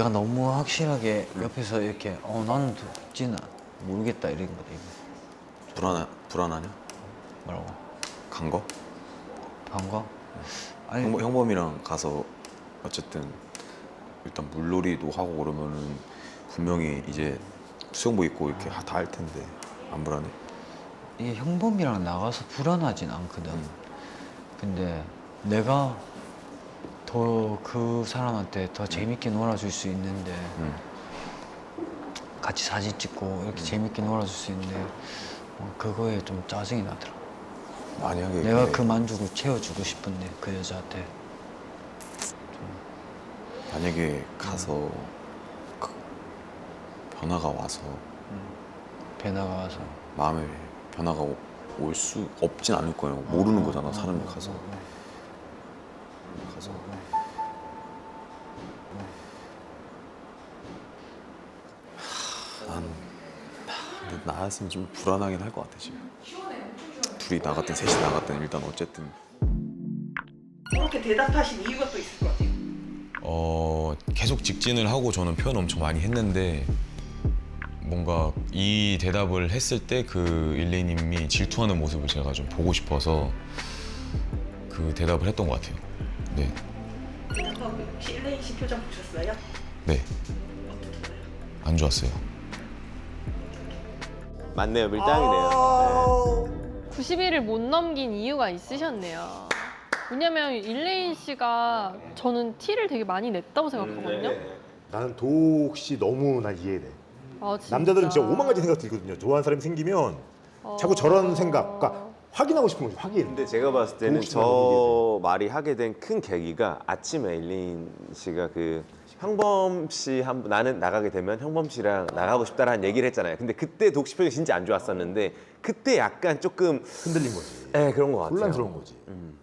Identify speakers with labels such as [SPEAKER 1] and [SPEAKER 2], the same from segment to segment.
[SPEAKER 1] 내가 너무 확실하게 옆에서 이렇게 나는 진짜 모르겠다 이런 거다 이거.
[SPEAKER 2] 불안하냐?
[SPEAKER 1] 뭐라고?
[SPEAKER 2] 간 거?
[SPEAKER 1] 반가? 아니
[SPEAKER 2] 형범이랑 가서 어쨌든 일단 물놀이도 하고 그러면은 분명히 이제 수영복 입고 이렇게 다 할 텐데 안 불안해?
[SPEAKER 1] 이게 형범이랑 나가서 불안하진 않거든. 근데 내가 더 그 사람한테 더 재밌게 놀아줄 수 있는데 같이 사진 찍고 이렇게 재밌게 놀아줄 수 있는데 그거에 좀 짜증이 나더라.
[SPEAKER 2] 만약에
[SPEAKER 1] 내가
[SPEAKER 2] 근데
[SPEAKER 1] 그 만족을 채워주고 싶은데 그 여자한테.
[SPEAKER 2] 만약에 가서 그 변화가 와서
[SPEAKER 1] 배나가 와서
[SPEAKER 2] 마음에 변화가 올 수 없진 않을 거예요. 모르는 거잖아 사람이 가서. 근데 나였으면 좀 불안하긴 할 것 같아 지금. 둘이 나갔든 셋이 나갔든 일단 어쨌든
[SPEAKER 3] 그렇게 대답하신 이유가 또 있을 것 같아요.
[SPEAKER 4] 계속 직진을 하고 저는 표현 엄청 많이 했는데 뭔가 이 대답을 했을 때 그 일레이님이 질투하는 모습을 제가 좀 보고 싶어서 그 대답을 했던 것 같아요. 네,
[SPEAKER 3] 대답하고 혹시 일레인 씨 표정 보셨어요?
[SPEAKER 4] 네, 안 좋았어요.
[SPEAKER 5] 맞네요, 밀당이네요.
[SPEAKER 6] 90일을 못 넘긴 이유가 있으셨네요. 왜냐면 일레인 씨가 저는 티를 되게 많이 냈다고 생각하거든요.
[SPEAKER 7] 나는 도욱 씨 너무 난 이해돼.
[SPEAKER 6] 아, 진짜?
[SPEAKER 7] 남자들은 진짜 오만 가지 생각 들거든요. 좋아하는 사람이 생기면 자꾸 저런 생각, 그러니까 확인하고 싶은 거지, 확인.
[SPEAKER 5] 근데 제가 봤을 때는
[SPEAKER 7] 도욱 씨가
[SPEAKER 5] 저
[SPEAKER 7] 너무
[SPEAKER 5] 말이 하게 된 큰 계기가 아침에 일린 씨가 그 형범 씨 나는 나가게 되면 형범 씨랑 나가고 싶다라는 얘기를 했잖아요. 근데 그때 도욱 씨 표정이 진짜 안 좋았었는데 그때 약간 조금
[SPEAKER 7] 흔들린 거지.
[SPEAKER 5] 네, 그런 것 같아요.
[SPEAKER 7] 혼란스러운 거지.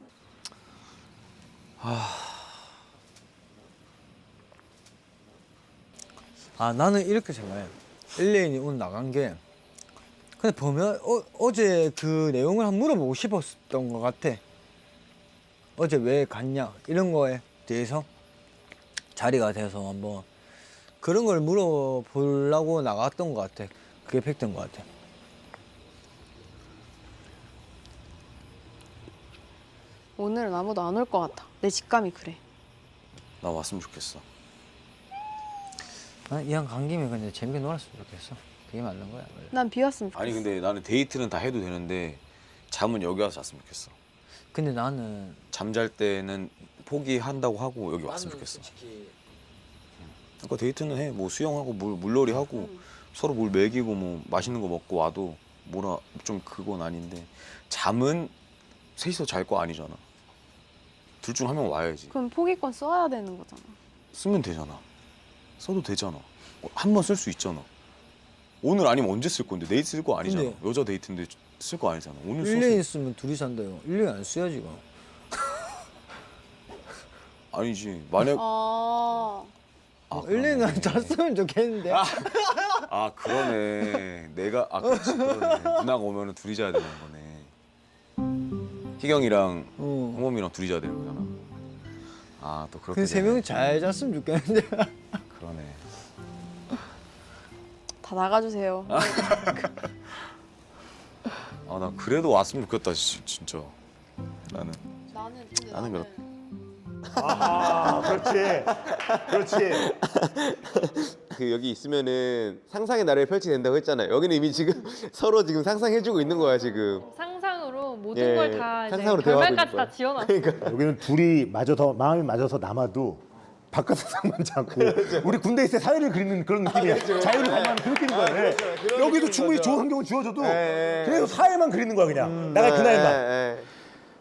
[SPEAKER 1] 나는 이렇게 생각해. 일레인이 오늘 나간 게 근데 보면 어제 그 내용을 한번 물어보고 싶었던 것 같아. 어제 왜 갔냐 이런 거에 대해서 자리가 돼서 한번 그런 걸 물어보려고 나갔던 것 같아. 그게 팩트인 것 같아.
[SPEAKER 6] 오늘은 아무도 안 올 것 같아. 내 직감이 그래.
[SPEAKER 2] 나 왔으면 좋겠어.
[SPEAKER 1] 이왕 간 김에 근데 재밌게 놀았으면 좋겠어. 그게 맞는 거야. 원래.
[SPEAKER 6] 난 비왔으면 좋겠어.
[SPEAKER 2] 아니 근데 나는 데이트는 다 해도 되는데 잠은 여기 와서 잤으면 좋겠어.
[SPEAKER 1] 근데 나는
[SPEAKER 2] 잠잘 때는 포기한다고 하고 여기 왔으면 좋겠어. 그러니까 데이트는 해. 뭐 수영하고 물놀이 하고 서로 물 먹이고 뭐 맛있는 거 먹고 와도 뭐라 좀 그건 아닌데 잠은 셋이서 잘 거 아니잖아. 둘 중 한 명 와야지.
[SPEAKER 6] 그럼 포기권 써야 되는 거잖아.
[SPEAKER 2] 쓰면 되잖아. 써도 되잖아. 한 번 쓸 수 있잖아. 오늘 아니면 언제 쓸 건데 내일 쓸 거 아니잖아.
[SPEAKER 1] 근데-
[SPEAKER 2] 여자 데이트인데 쓸 거 아니잖아. 오늘
[SPEAKER 1] 일레인
[SPEAKER 2] 써서
[SPEAKER 1] 있으면 둘이 산다요. 일레인 안 써야지 이거.
[SPEAKER 2] 아니지. 만약
[SPEAKER 1] 일레인은 잤으면 좋겠는데.
[SPEAKER 2] 그러네. 내가 그렇지 그러네. 누나가 오면은 둘이 자야 되는 거네. 희경이랑 홍범이랑 둘이 자야 되는 거잖아. 또 그렇게.
[SPEAKER 1] 근데 세 명이 잘 잤으면 좋겠는데.
[SPEAKER 2] 그러네.
[SPEAKER 6] 다 나가주세요.
[SPEAKER 2] 나 그래도 왔으면 좋겠다 진짜. 나는 그렇.
[SPEAKER 7] 그렇지. 그렇지.
[SPEAKER 5] 그 여기 있으면은 상상의 나래를 펼치게 된다고 했잖아요. 여기는 이미 지금 서로 지금 상상해주고 있는 거야 지금.
[SPEAKER 6] 상상으로 모든
[SPEAKER 5] 예,
[SPEAKER 6] 걸 다
[SPEAKER 5] 상상으로
[SPEAKER 6] 결말까지
[SPEAKER 5] 대화하고
[SPEAKER 6] 다
[SPEAKER 5] 있을
[SPEAKER 6] 지어놨어.
[SPEAKER 5] 그러니까.
[SPEAKER 7] 여기는 둘이 마음이 맞아서 남아도 바깥 세상만 자꾸 우리 군대 있을 때 사회를 그리는 그런 느낌이야. 자유를 갈망하는 그 느낌인 거야. 네.
[SPEAKER 5] 그런
[SPEAKER 7] 여기도
[SPEAKER 5] 느낌인
[SPEAKER 7] 충분히
[SPEAKER 5] 거죠.
[SPEAKER 7] 좋은 환경을 주어줘도
[SPEAKER 5] 예.
[SPEAKER 7] 계속 사회만 그리는 거야 그냥. 나갈 그날만.
[SPEAKER 5] 예.